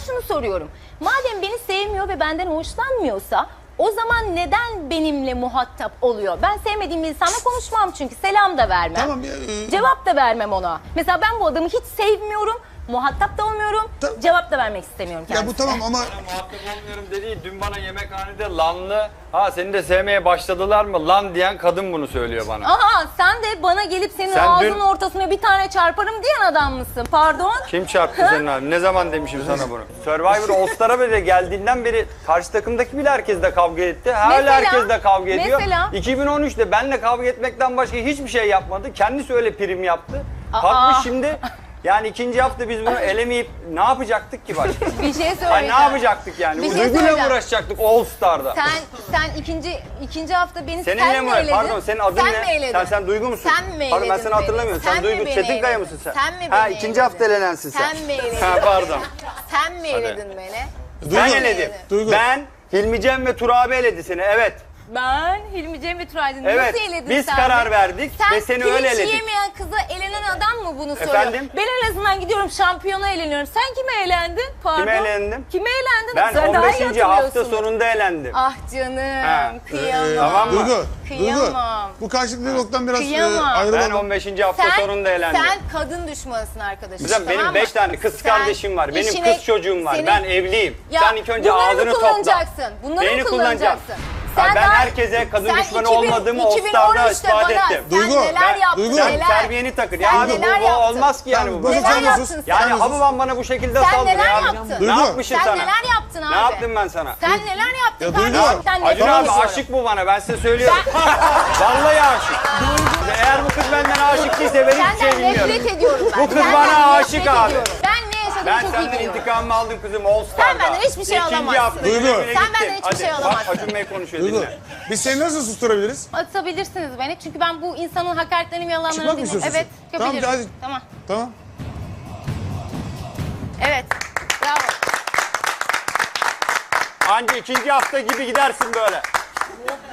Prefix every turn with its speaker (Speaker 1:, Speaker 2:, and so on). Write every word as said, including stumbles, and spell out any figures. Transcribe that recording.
Speaker 1: şunu soruyorum. Madem beni sevmiyor ve benden hoşlanmıyorsa o zaman neden benimle muhatap oluyor? Ben sevmediğim bir insanla konuşmam çünkü selam da vermem.
Speaker 2: Tamam, e,
Speaker 1: Cevap da vermem ona. Mesela ben bu adamı hiç sevmiyorum. Muhatap da olmuyorum.
Speaker 2: Ta-
Speaker 1: Cevap da vermek istemiyorum kendisine.
Speaker 2: Ya bu tamam ama
Speaker 3: Muhatap olmuyorum dediği dün bana yemekhanede lanlı, ha seni de sevmeye başladılar mı lan diyen kadın bunu söylüyor bana.
Speaker 1: Aha sen de bana gelip senin
Speaker 3: Sen
Speaker 1: ağzının
Speaker 3: dün-
Speaker 1: ortasına bir tane çarparım diyen adam mısın? Pardon?
Speaker 3: Kim çarptı senin abi? Ne zaman demişim sana bunu? Survivor All Star'a bile geldiğinden beri karşı takımdaki bile herkesle kavga etti. Hala
Speaker 1: Mesela-
Speaker 3: herkesle kavga ediyor.
Speaker 1: mesela-
Speaker 3: iki bin on üçte benle kavga etmekten başka hiçbir şey yapmadı. Kendisi öyle prim yaptı.
Speaker 1: Aa.
Speaker 3: Kalkmış şimdi yani ikinci hafta biz bunu elemeyip ne yapacaktık ki başka?
Speaker 1: Bir şey söyleyeceğim.
Speaker 3: Ay ne yapacaktık yani?
Speaker 1: Bir şey
Speaker 3: Duyguyla
Speaker 1: söyleyeceğim.
Speaker 3: uğraşacaktık All Star'da.
Speaker 1: Sen sen ikinci ikinci hafta beni
Speaker 3: Seninle
Speaker 1: sen mi
Speaker 3: mi?
Speaker 1: eledin?
Speaker 3: Pardon senin adın
Speaker 1: sen
Speaker 3: ne?
Speaker 1: Mi eledin?
Speaker 3: Sen sen Duygu musun?
Speaker 1: Sen mi
Speaker 3: Pardon ben
Speaker 1: eledin
Speaker 3: seni
Speaker 1: beni?
Speaker 3: hatırlamıyorum. Sen,
Speaker 1: Sen mi
Speaker 3: Duygu
Speaker 1: beni
Speaker 3: Çetinkaya
Speaker 1: eledin?
Speaker 3: mısın sen?
Speaker 1: Sen mi
Speaker 3: Ha
Speaker 1: beni
Speaker 3: ikinci
Speaker 1: eledin?
Speaker 3: hafta elenensin sen.
Speaker 1: Sen mi eledin?
Speaker 3: Ha pardon.
Speaker 1: Sen mi eledin beni?
Speaker 3: Ben
Speaker 2: Duygu,
Speaker 3: eledim.
Speaker 2: Duygu.
Speaker 3: Ben Hilmi Cem ve Tur abi eledi seni evet.
Speaker 1: Ben Hilmi Cem ve Turaydın.
Speaker 3: Evet,
Speaker 1: Nasıl eledin
Speaker 3: biz
Speaker 1: sen
Speaker 3: karar
Speaker 1: de?
Speaker 3: verdik
Speaker 1: sen
Speaker 3: ve seni öyle
Speaker 1: pirinç
Speaker 3: eledik.
Speaker 1: yemeyen kıza elenen adam mı bunu soruyor?
Speaker 3: Efendim?
Speaker 1: Ben en azından gidiyorum şampiyona eleniyorum. Sen kime elendin? Pardon.
Speaker 3: Kime elendim?
Speaker 1: Kime elendin?
Speaker 3: Ben
Speaker 1: Sen
Speaker 3: on
Speaker 1: daha iyi
Speaker 3: beşinci hafta
Speaker 1: hatırlıyorsun.
Speaker 3: sonunda elendim.
Speaker 1: Ah canım.
Speaker 3: Ha.
Speaker 1: Kıyamam.
Speaker 3: Tamam mı?
Speaker 2: Duygu, Duygu.
Speaker 1: Kıyamam.
Speaker 2: Bu karşılıklı diyalogdan biraz e,
Speaker 1: Kıyamam.
Speaker 3: Ben
Speaker 2: ayrılalım.
Speaker 3: on beşinci hafta
Speaker 1: Sen,
Speaker 3: sonunda elendim.
Speaker 1: sen kadın düşmanısın arkadaşım.
Speaker 3: Güzel, benim
Speaker 1: tamam
Speaker 3: beş
Speaker 1: mı?
Speaker 3: tane kız
Speaker 1: Sen
Speaker 3: kardeşim var. Benim
Speaker 1: işine-
Speaker 3: kız çocuğum var.
Speaker 1: senin-
Speaker 3: Ben evliyim.
Speaker 1: Ya,
Speaker 3: sen ilk önce
Speaker 1: bunları mı
Speaker 3: ağzını topla.
Speaker 1: kullanacaksın? Bunları mı
Speaker 3: Beni kullanacağım.
Speaker 1: kullanacaksın?
Speaker 3: Ha, ben
Speaker 1: daha-
Speaker 3: herkese kadın
Speaker 1: sen
Speaker 3: düşmanı
Speaker 1: iki bin
Speaker 3: olmadığımı o
Speaker 1: iki bin
Speaker 3: Star'da
Speaker 1: on üçte
Speaker 3: ispat
Speaker 1: bana
Speaker 3: ettim.
Speaker 1: Sen
Speaker 2: Duygu,
Speaker 1: neler
Speaker 2: ben-
Speaker 1: yaptın
Speaker 2: Duygu.
Speaker 3: Sen
Speaker 1: neler?
Speaker 3: terbiyeni takır.
Speaker 1: Sen
Speaker 3: Ya abi bu,
Speaker 1: neler
Speaker 3: bu
Speaker 1: yaptın?
Speaker 3: olmaz ki yani
Speaker 2: Tamam,
Speaker 3: bu.
Speaker 2: Bozuk,
Speaker 1: Neler
Speaker 2: sen
Speaker 1: yaptın
Speaker 2: sus.
Speaker 1: sen?
Speaker 3: Yani
Speaker 2: Sen sus.
Speaker 3: Hababam bana bu şekilde
Speaker 1: Sen
Speaker 3: saldırıyor
Speaker 1: neler
Speaker 3: abi.
Speaker 1: yaptın?
Speaker 3: Ne
Speaker 2: Duygu.
Speaker 3: yapmışım
Speaker 1: Sen
Speaker 3: sana?
Speaker 1: neler yaptın abi?
Speaker 3: Ne yaptım ben sana?
Speaker 1: Sen neler yaptın
Speaker 2: Ya Duygu.
Speaker 1: kardeşim? Sen
Speaker 3: Acun
Speaker 1: nefret
Speaker 3: abi
Speaker 1: ediyorum.
Speaker 3: aşık bu bana ben size söylüyorum. Vallahi aşık. Eğer bu kız benden aşık değilse ben hiçbir şey
Speaker 1: Senden
Speaker 3: bilmiyorum.
Speaker 1: nefret ediyorum ben.
Speaker 3: Bu kız
Speaker 1: Senden
Speaker 3: bana
Speaker 1: nefret
Speaker 3: aşık abi.
Speaker 1: ediyorum. Ben ne yaşadığımı
Speaker 3: Ben
Speaker 1: çok iyi
Speaker 3: senden
Speaker 1: biliyorum.
Speaker 3: intikamımı aldım kızım All Star'da.
Speaker 1: Sen benden hiçbir şey
Speaker 3: İkinci
Speaker 1: alamazsın.
Speaker 3: hafta
Speaker 2: Duygu.
Speaker 3: güle
Speaker 1: Sen
Speaker 3: gittin.
Speaker 1: benden hiçbir
Speaker 3: Hadi,
Speaker 1: şey
Speaker 3: bak,
Speaker 1: alamazsın.
Speaker 3: Acun Bey konuşuyor
Speaker 2: Duygu.
Speaker 3: dinle.
Speaker 2: Biz seni nasıl susturabiliriz?
Speaker 1: Atabilirsiniz beni çünkü ben bu insanın hakaretlerini ve yalanlarını
Speaker 2: Çıkmak mı
Speaker 1: dinliyorum.
Speaker 2: istiyorsun?
Speaker 1: Evet,
Speaker 2: Tamam,
Speaker 1: yapabilirim.
Speaker 2: hadi.
Speaker 1: Tamam.
Speaker 2: Tamam.
Speaker 1: Evet. Bravo.
Speaker 3: Anca ikinci hafta gibi gidersin böyle.